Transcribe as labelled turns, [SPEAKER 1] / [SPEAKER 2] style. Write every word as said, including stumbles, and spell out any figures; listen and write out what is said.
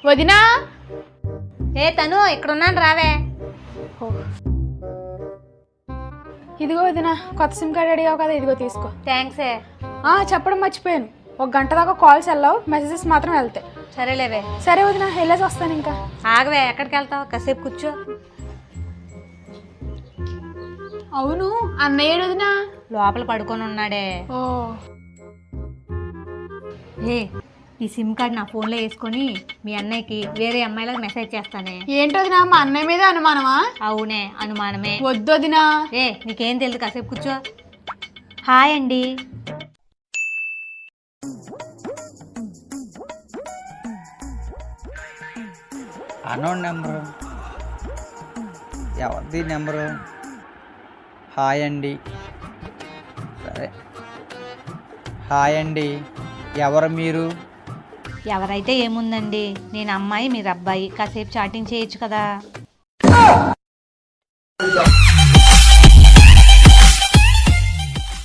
[SPEAKER 1] వదినా
[SPEAKER 2] ఏ తను ఇక్కడున్నాను రావే.
[SPEAKER 1] ఇదిగో వదినా, కొత్త సిమ్ కార్డ్ అడిగావు కదా, ఇదిగో తీసుకో.
[SPEAKER 2] థ్యాంక్స్.
[SPEAKER 1] చెప్పడం మర్చిపోయాను, ఒక గంట దాకా కాల్స్ వెళ్ళావు, మెసేజెస్ మాత్రం వెళ్తాయి.
[SPEAKER 2] సరేలేవే.
[SPEAKER 1] సరే వదినా, వెళ్ళేసి వస్తాను. ఇంకా
[SPEAKER 2] ఆగవే, ఎక్కడికి వెళ్తావు? కాసేపు కూర్చో.
[SPEAKER 1] అవును, అన్నయ్య వదినా
[SPEAKER 2] లోపల పడుకొని ఉన్నాడే.
[SPEAKER 1] ఓ
[SPEAKER 2] ఏ ఈ సిమ్ కార్డ్ నా ఫోన్లో వేసుకొని మీ అన్నయ్యకి వేరే అమ్మాయిలకు మెసేజ్ చేస్తానే.
[SPEAKER 1] ఏంటి వదినా, మా అన్నయ్య మీద అనుమానమా?
[SPEAKER 2] అవునే, అనుమానమే.
[SPEAKER 1] వద్దు వదినా.
[SPEAKER 2] ఏ నీకేం తెలుసు, కాసేపు కూర్చో. హాయ్ అండి.
[SPEAKER 3] అన్నోన్ నెంబరు ఎవరిది నెంబరు? హాయ్ అండి. సరే, హాయ్ అండి, ఎవరు మీరు?
[SPEAKER 2] ఎవరైతే ఏముందండి, నేను అమ్మాయి, మీరు అబ్బాయి, కాసేపు చాటింగ్ చేయొచ్చు కదా.